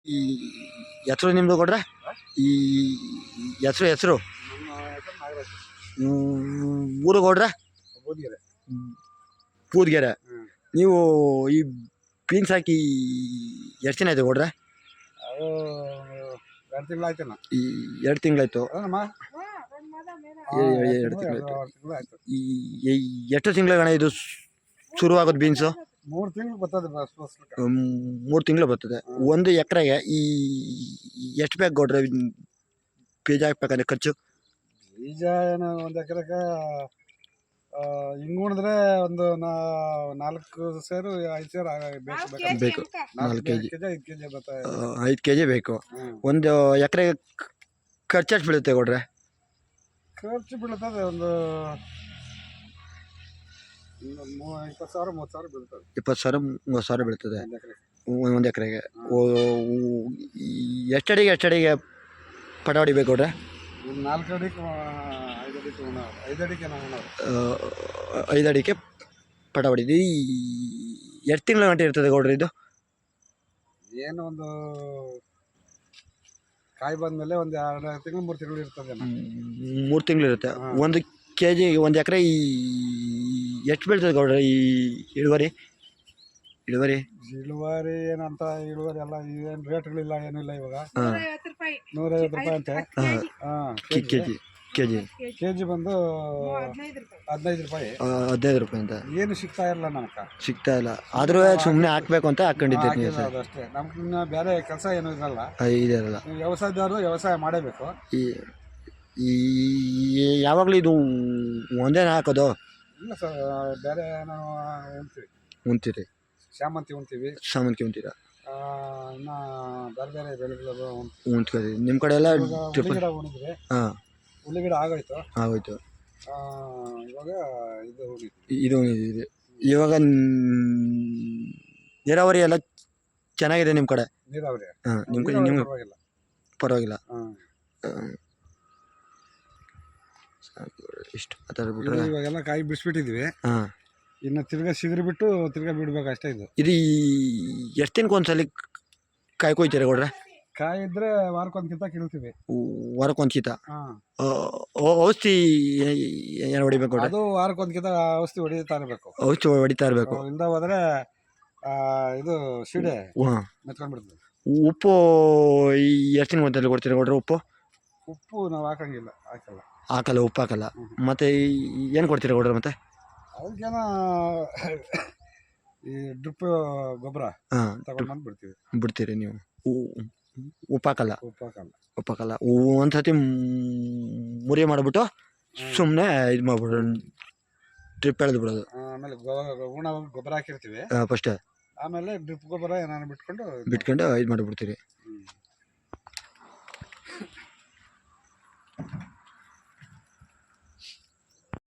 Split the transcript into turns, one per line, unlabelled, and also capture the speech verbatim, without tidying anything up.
ಈ ಹೆಸರು ನಿಮ್ಮದು ಕೊಡ್ರೆ ಈ ಹೆಸರು ಹೆಸರು ಊರು ಕೊಡ್ರೆ
ಬೂದಿಗೆರೆ
ಬೂದಿಗೆರೆ. ನೀವು ಈ ಬೀನ್ಸ್ ಹಾಕಿ ಎಷ್ಟು ದಿನ ಆಯ್ತು ಕೊಡ್ರೆ?
ಅದು ಎರಡು ತಿಂಗಳಾಯ್ತೇನ.
ಈ ಎರಡು ತಿಂಗಳಾಯ್ತು.
ಅದಮ್ಮ
ಎರಡು ತಿಂಗಳಾಯ್ತು.
ತಿಂಗಳಾಯ್ತು.
ಈ ಎಷ್ಟು ತಿಂಗಳ ಇದು ಶುರುವಾಗೋದು ಬೀನ್ಸು?
ಮೂರು ತಿಂಗಳು ಬರ್ತದೆ.
ಮೂರು ತಿಂಗಳು ಬರ್ತದೆ. ಒಂದು ಎಕರೆಗೆ ಈ ಎಷ್ಟು ಬೇಕು ಕೊಡ್ರೆ ಬೀಜ ಹಾಕ್ಬೇಕಂದ್ರೆ ಖರ್ಚು?
ಬೀಜ ಏನು ಒಂದು ಎಕರೆಗೆ ಹಿಂಗೆ ಉಣಿದ್ರೆ ಒಂದು ನಾಲ್ಕು ಸೇರು ಐದು ಸೇರು ಬೇಕು
ಬೇಕು ನಾಲ್ಕು ಕೆ ಜಿ
ಐದು ಕೆ ಜಿ ಬರ್ತದೆ.
ಐದು ಕೆ ಜಿ ಬೇಕು. ಒಂದು ಎಕರೆಗೆ ಖರ್ಚು ಎಷ್ಟು ಬೀಳುತ್ತೆ ಕೊಡ್ರೆ?
ಖರ್ಚು ಬೀಳ್ತದೆ ಒಂದು ಇಪ್ಪತ್ತು ಸಾವಿರ ಮೂವತ್ತು ಸಾವಿರ ಬೀಳ್ತದೆ.
ಇಪ್ಪತ್ತು ಸಾವಿರ ಮೂವತ್ತು ಸಾವಿರ ಬೀಳ್ತದೆ ಒಂದು ಎಕರೆಗೆ. ಎಷ್ಟಡಿಗೆ ಎಷ್ಟಡಿಗೆ ಪಟ ಹೊಡಿಬೇಕು ಕೊಡ್ರೆ?
ನಾಲ್ಕು ಅಡಿಗೆ ಐದು ಅಡಿಗೆ ಐದು ಅಡಿಗೆ ನಾವು
ಐದು ಅಡಿಗೆ ಪಟ ಹೊಡಿದು ಎಷ್ಟು ತಿಂಗಳ ಗಂಟೆ ಇರ್ತದೆ ಕೊಡ್ರಿ ಇದು?
ಏನು ಒಂದು ಕಾಯಿ ಬಂದಮೇಲೆ ಒಂದು ಎರಡು ತಿಂಗಳು ಮೂರು ತಿಂಗಳು ಇರ್ತದೆ.
ಮೂರು ತಿಂಗಳು ಇರುತ್ತೆ. ಒಂದು ಕೆ ಜಿ ಒಂದು ಎಕರೆ ಈ ಎಷ್ಟು ಬೀಳ್ತದೆ ಕೊಡ್ರಿ ಈ ಇಳುವರಿ? ಇಳುವರಿ
ಇಳುವರಿ ಏನಂತ ಇಳುವರಿ ಎಲ್ಲ ಏನು ರೇಟ್ಗಳಿಲ್ಲ ಏನಿಲ್ಲ ಇವಾಗ. ನೂರೈವತ್ತು ರೂಪಾಯಿ ಅಂತೆ. ಹಾಂ
K G K G
K G ಬಂದು ಹದಿನೈದು ರೂಪಾಯಿ
ಹದಿನೈದು ರೂಪಾಯಿ ಅಂತ.
ಏನು ಸಿಗ್ತಾ ಇಲ್ಲ ನಮ್ಗೆ,
ಸಿಗ್ತಾ ಇಲ್ಲ. ಆದ್ರೂ ಸುಮ್ಮನೆ ಹಾಕ್ಬೇಕು ಅಂತ ಹಾಕೊಂಡಿದ್ದೀರಿ ನೀವು ಸರ್?
ಅಷ್ಟೇ. ನಮ್ಗೆ ಇನ್ನು ಬೇರೆ ಕೆಲಸ ಏನೂ ಇರಲ್ಲ.
ಇದಿರಲ್ಲ.
ವ್ಯವಸಾಯದವರು ವ್ಯವಸಾಯ ಮಾಡಬೇಕು.
ಈ ಈ ಯಾವಾಗಲೂ ಇದು ಒಂದೇನ ಹಾಕೋದು?
ಇಲ್ಲ ಸರ್, ಬೇರೆ ನಾವು ಉಣ್ತೀವಿ.
ಉಣ್ತೀರಿ?
ಶಾಮಂತಿ ಉಣ್ತೀವಿ.
ಶಾಮಂತಿ ಉಣ್ತೀರಾ?
ಇನ್ನು ಬೇರೆ ಬೇರೆ ಬೆಳೆಗಳು
ಉಣ್ತೀವಿ. ನಿಮ್ಮ ಕಡೆ ಎಲ್ಲ
ಉಳ್ಳಿಗಿಡ ಉಣಿದ್ವಿ.
ಹಾಂ,
ಉಳ್ಳಿಗಿಡ ಆಗೋಯ್ತು
ಆಗೋಯ್ತು.
ಇವಾಗ ಇದು
ಇದು ಉಣಿದಿದೆ. ಇವಾಗ ನೀರಾವರಿ ಎಲ್ಲ ಚೆನ್ನಾಗಿದೆ ನಿಮ್ಮ ಕಡೆ?
ನೀರಾವರಿ
ಹಾಂ, ನಿಮ್ಮ ಕಡೆ ನಿಮ್ಗೆ
ಪರವಾಗಿಲ್ಲ.
ಪರವಾಗಿಲ್ಲ.
ಹಾಂ,
ಇಷ್ಟು ಮಾತಾಡ್ಬಿಟ್ರೆ
ಇವಾಗೆಲ್ಲ ಕಾಯಿ ಬಿಡಿಸ್ಬಿಟ್ಟಿದ್ವಿ.
ಹಾಂ,
ಇನ್ನು ತಿರ್ಗಾ ಸಿಗರಿ ಬಿಟ್ಟು ತಿರ್ಗಾ ಬಿಡ್ಬೇಕು ಅಷ್ಟೇ. ಇದು
ಇದು ಎಷ್ಟು ದಿನಕ್ಕೆ ಒಂದ್ಸಲ ಕಾಯಿ ಕೊಯ್ತೀರಾ ಕೊಡ್ರೆ?
ಕಾಯಿ ಇದ್ರೆ ವಾರಕ್ಕೊಂದ್ಕಿಂತ ಕೀಳ್ತೀವಿ.
ವಾರಕ್ಕೊಂದ್ಕಿತ?
ಹಾಂ.
ಔಷಧಿ ಏನು ಹೊಡಿಬೇಕು ಕೊಡ್ರೆ?
ಅದು ವಾರಕ್ಕೊಂದ್ಕಿಂತ ಔಷಧಿ ಹೊಡಿತಾ ಇರಬೇಕು.
ಔಷಧಿ ಹೊಡಿತಾ ಇರಬೇಕು.
ಇಲ್ದ ಹೋದ್ರೆ ಇದು ಸೀಡೆ ಮೆತ್ಕೊಂಡ್ಬಿಡ್ತದೆ.
ಉಪ್ಪು ಎಷ್ಟು ದಿನ ಒಂದ್ಸಲ ಕೊಡ್ತೀರಾ ಕೊಡ್ರೆ? ಉಪ್ಪು
ಉಪ್ಪು ನಾವು ಹಾಕಂಗಿಲ್ಲ, ಹಾಕಲ್ಲ
ಹಾಕಲ್ಲ ಉಪ್ಪು ಹಾಕಲ್ಲ. ಮತ್ತೆ ಏನು ಕೊಡ್ತೀರಾ ಕೊಡ್ರೆ? ಮತ್ತೆ
ಅದಕ್ಕೇನ ಈ ಡ್ರಿಪ್ ಗೊಬ್ಬರ
ಹಾಂ
ತಗೊಂಡು ಬಂದು ಬಿಡ್ತೀವಿ.
ಬಿಡ್ತೀರಿ ನೀವು? ಉಪ್ಪು ಹಾಕಲ್ಲ?
ಉಪ್ಪು ಹಾಕಲ್ಲ.
ಉಪ್ಪು ಹಾಕಲ್ಲ. ಒಂದು ಸತಿ ಮುರಿ ಮಾಡಿಬಿಟ್ಟು ಸುಮ್ಮನೆ ಇದು ಮಾಡ್ಬಿಡೋದು, ಡ್ರಿಪ್ ಎಳೆದು ಬಿಡೋದು.
ಆಮೇಲೆ ಉಣ ಗೊಬ್ಬರ ಹಾಕಿರ್ತೀವಿ
ಫಸ್ಟ್.
ಆಮೇಲೆ ಡ್ರಿಪ್ ಗೊಬ್ಬರ ಏನಾರು ಬಿಟ್ಕೊಂಡು
ಬಿಟ್ಕೊಂಡು ಇದು ಮಾಡಿಬಿಡ್ತೀರಿ.